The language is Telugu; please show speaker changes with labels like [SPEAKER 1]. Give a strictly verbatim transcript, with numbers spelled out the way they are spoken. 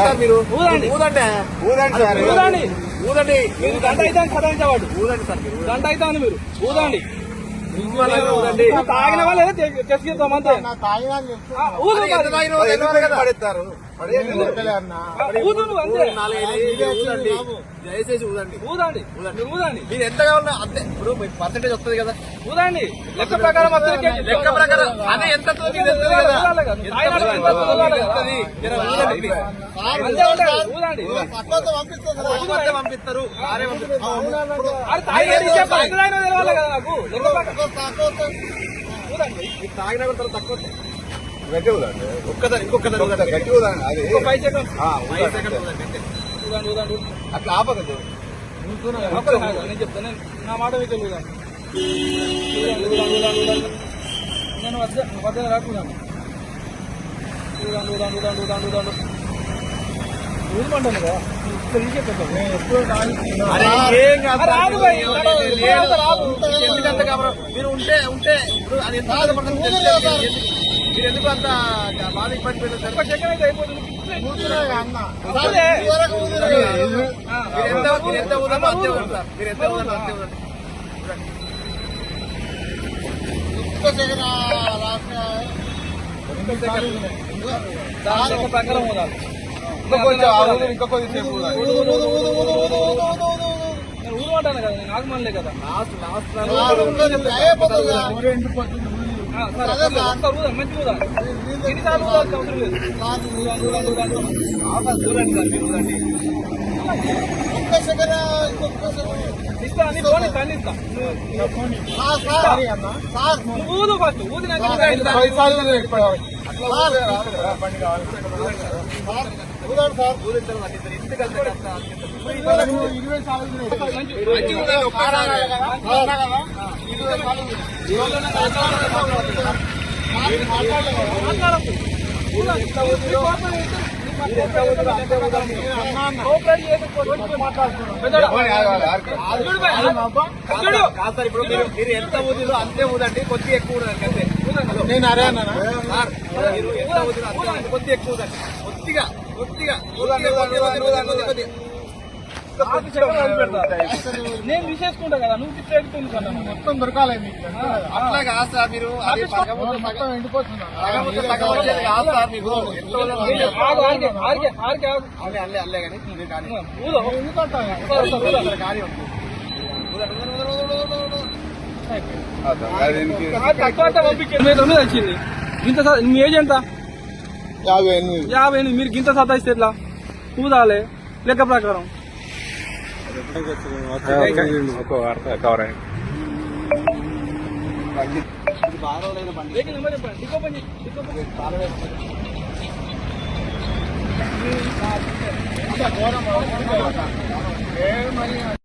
[SPEAKER 1] మీరు
[SPEAKER 2] ఊదండి
[SPEAKER 1] ఊదంటే
[SPEAKER 2] ఊదండి సార్
[SPEAKER 1] ఊదండి ఊదండి
[SPEAKER 2] మీరు గంట అయితే సదాయించేవాడు
[SPEAKER 1] ఊదండి సార్ మీరు
[SPEAKER 2] గంట అయితే అని మీరు ఊదండి
[SPEAKER 1] ఊదండి
[SPEAKER 2] తాగిన వాళ్ళు తెచ్చిస్తాం అంతే
[SPEAKER 1] పడేస్తారు దయచేసి ఊదండి
[SPEAKER 2] ఊదండి ఊదండి
[SPEAKER 1] మీరు ఎంత కావాలన్నా అంతే ఇప్పుడు పర్సెంటేజ్ వస్తుంది కదా
[SPEAKER 2] ఊదండి లెక్క ప్రకారం
[SPEAKER 1] లెక్క ప్రకారం అదే ఎంత పంపిస్తారు తాగిన తక్కువ గట్టి ఊదండి ఒక్కదాని ఇంకొకదాని గట్టి ఊదండి అది
[SPEAKER 2] ఫైవ్ సెకండ్
[SPEAKER 1] ఫైవ్ సెకండ్
[SPEAKER 2] ఊదండి ఊదండి
[SPEAKER 1] అట్లా ఆపకదు
[SPEAKER 2] నేను చెప్తాను నా మాట మీకు ఊదండి నేను వద్ద వద్ద రాకున్నాను ఊదండి ఊదండి ఊదండి ఊదండి ఊదండి ఊదమంటాను కదా
[SPEAKER 1] మీరు ఉంటే ఉంటే ఇప్పుడు అది ఎంత మీరు ఎందుకు అంత బాధ ఇబ్బంది పెట్టారు
[SPEAKER 2] సెకండ్ అయితే అయిపోతుంది
[SPEAKER 1] మీరు ఎంత ఊదమో అంతే ఊదండి సార్ మీరు ఎంత ఊదమో అంతే ఊదండి
[SPEAKER 2] ప్రకారం ఊదాలి
[SPEAKER 1] ఇంకా కొద్దిసేపు
[SPEAKER 2] నేను ఊరమంటాను కదా నేను ఆగమనలే కదా
[SPEAKER 1] లాస్ట్ లాస్ట్
[SPEAKER 2] మంచి ఊదాలి ఎన్నిసార్లు ఊదాల్సిన అవసరం లేదు
[SPEAKER 1] చూడండి సార్ మీరు ఊదండి
[SPEAKER 2] ఇస్తాను ఫోన్ ఇస్తాను ఇస్తా ఊదు ఫస్ట్ ఊదినాక
[SPEAKER 1] ఇప్పుడు మీరు ఎంత ఊదిలో అంతే ఊదండి కొద్ది ఎక్కువ ఊదండి అంతే
[SPEAKER 2] నేను అరే అన్నా
[SPEAKER 1] మీరు ఎంత ఊదిలో అంతే కొద్ది ఎక్కువ ఊదండి కొద్దిగా కొద్దిగా
[SPEAKER 2] నేను విశేషకుంటా కదా నువ్వు తిప్పేస్తుంది కదా
[SPEAKER 1] మొత్తం దొరకాలి అట్లా కాదు సార్ మీరు
[SPEAKER 2] మొత్తం ఎండిపోతున్నా
[SPEAKER 1] అల్లే అల్లే అల్లే కానీ కానీ
[SPEAKER 2] వచ్చింది గింత మీ ఏజ్ ఎంత
[SPEAKER 1] యాభై ఎనిమిది
[SPEAKER 2] యాభై ఎనిమిది మీరు గింత సతాయిస్తే ఎట్లా ఊదాలి లెక్క ప్రకారం
[SPEAKER 1] కవర్
[SPEAKER 2] బండి